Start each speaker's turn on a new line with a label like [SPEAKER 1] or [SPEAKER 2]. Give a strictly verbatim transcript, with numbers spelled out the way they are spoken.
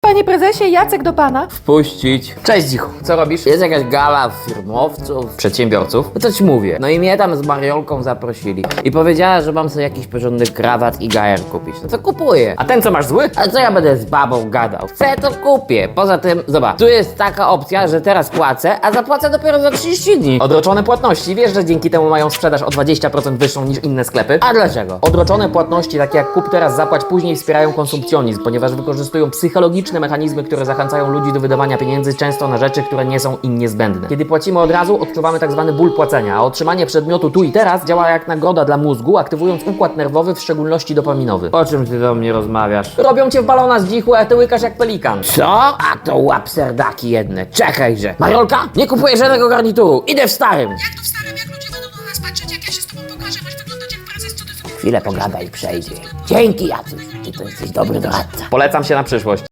[SPEAKER 1] Panie prezesie, Jacek do pana.
[SPEAKER 2] Wpuścić. Cześć, Dzichu. Co robisz? Jest jakaś gala firmowców, przedsiębiorców. No to ci mówię. No i mnie tam z Mariolką zaprosili. I powiedziała, że mam sobie jakiś porządny krawat i gajer kupić. No to kupuję. A ten co masz zły? A co ja będę z babą gadał? Chcę, to kupię. Poza tym, zobacz, tu jest taka opcja, że teraz płacę, a zapłacę dopiero za trzydzieści dni. Odroczone płatności. Wiesz, że dzięki temu mają sprzedaż o dwadzieścia procent wyższą niż inne sklepy? A dlaczego? Odroczone płatności, takie jak kup teraz, zapłać później, wspierają konsumpcjonizm, ponieważ wykorzystują psychologiczne mechanizmy, które zachęcają ludzi do wydawania pieniędzy często na rzeczy, które nie są im niezbędne. Kiedy płacimy od razu, odczuwamy tak zwany ból płacenia, a otrzymanie przedmiotu tu i teraz działa jak nagroda dla mózgu, aktywując układ nerwowy, w szczególności dopaminowy. O czym ty do mnie rozmawiasz? Robią cię w balona z dzichu, a ty łykasz jak pelikan. Co? A to łapserdaki jedne. Czekajże. Mariolka, nie kupuję żadnego garnituru. Idę w starym.
[SPEAKER 3] Jak to w starym, jak ludzie będą na nas patrzeć, jak ja się z tobą pokażę, masz wyglądać jak prezes, co ty sobie...
[SPEAKER 2] Chwilę pogadaj, przejdzie. Dzięki, Jacuś. Ty to jesteś dobry doradca. Polecam się na przyszłość.